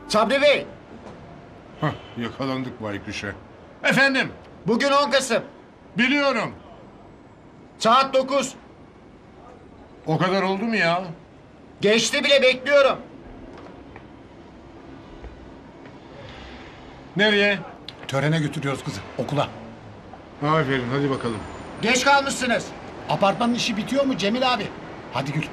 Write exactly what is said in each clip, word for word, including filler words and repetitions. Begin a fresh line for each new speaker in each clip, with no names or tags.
Sabri Bey,
Hah, yakalandık baykuşa. Efendim,
bugün on Kasım.
biliyorum.
Saat dokuz.
O kadar oldu mu ya?
Geçti bile, bekliyorum.
Nereye?
Törene götürüyoruz kızı okula.
Aferin, hadi bakalım.
Geç kalmışsınız.
Apartmanın işi bitiyor mu Cemil abi? Hadi Gül.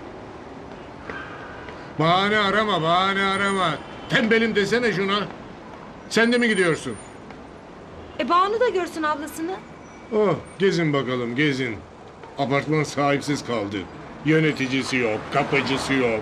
Bahane arama, bahane arama. Tembelim desene şuna. Sen de mi gidiyorsun?
E Banu da görsün ablasını.
Oh, gezin bakalım, gezin. Apartman sahipsiz kaldı. Yöneticisi yok, kapıcısı yok.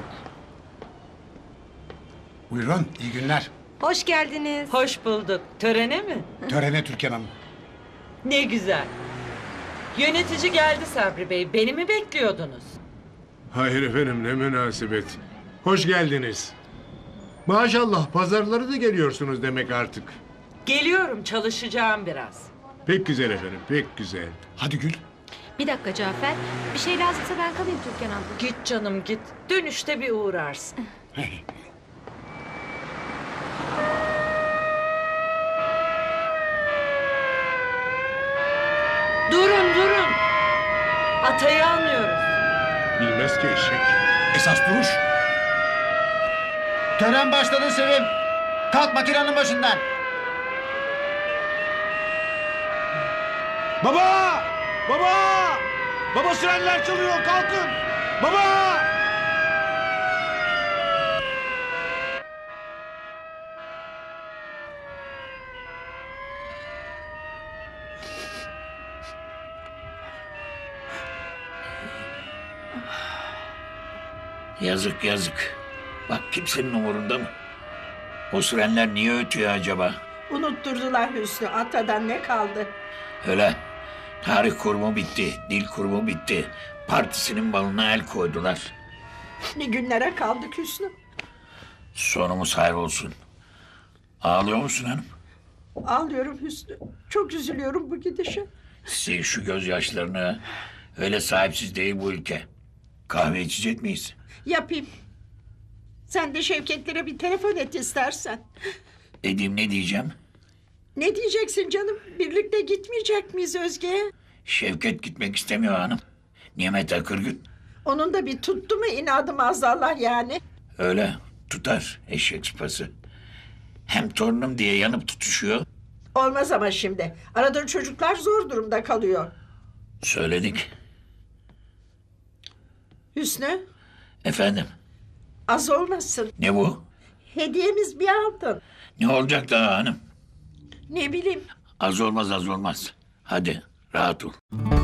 Buyurun iyi günler.
Hoş geldiniz.
Hoş bulduk. Törene mi?
Törene Türkan Hanım.
Ne güzel. Yönetici geldi Sabri Bey. Beni mi bekliyordunuz?
Hayır efendim, ne münasebet. Hoş geldiniz. Maşallah, pazarları da geliyorsunuz demek artık.
Geliyorum, çalışacağım biraz.
Pek güzel efendim, pek güzel.
Hadi Gül.
Bir dakika Cafer. Bir şey lazımsa ben kalayım Türkan abla.
Git canım git. Dönüşte bir uğrarsın. Durun durun. Atayı almıyoruz.
Bilmez ki eşek.
Esas duruş.
Tören başladı Sevim. Kalk makinenin başından.
Baba! Baba! Baba sirenler çalıyor kalkın! Baba!
Yazık yazık. Bak kimsenin umurunda mı? O sirenler niye ötüyor acaba?
Unutturdular Hüsnü. Atadan ne kaldı?
Öyle. Tarih kurumu bitti, dil kurumu bitti. Partisinin balına el koydular.
Ne günlere kaldık Hüsnü.
Sonumuz hayır olsun. Ağlıyor musun hanım?
Ağlıyorum Hüsnü. Çok üzülüyorum bu gidişe.
Sil şu gözyaşlarını. Öyle sahipsiz değil bu ülke. Kahve içecek miyiz?
Yapayım. Sen de Şevketlere bir telefon et istersen.
Edeyim ne diyeceğim?
Ne diyeceksin canım? Birlikte gitmeyecek miyiz Özge'ye?
Şevket gitmek istemiyor hanım. Nimet Akırgün.
Onun da bir tuttu mu inadı maazallah yani.
Öyle tutar eşek sıpası. Hem torunum diye yanıp tutuşuyor.
Olmaz ama şimdi. Aradığın çocuklar zor durumda kalıyor.
Söyledik.
Hüsnü
Efendim
az olmasın.
ne bu?
Hediyemiz bir altın.
Ne olacak daha hanım?
Ne bileyim.
Az olmaz az olmaz. Hadi rahat ol.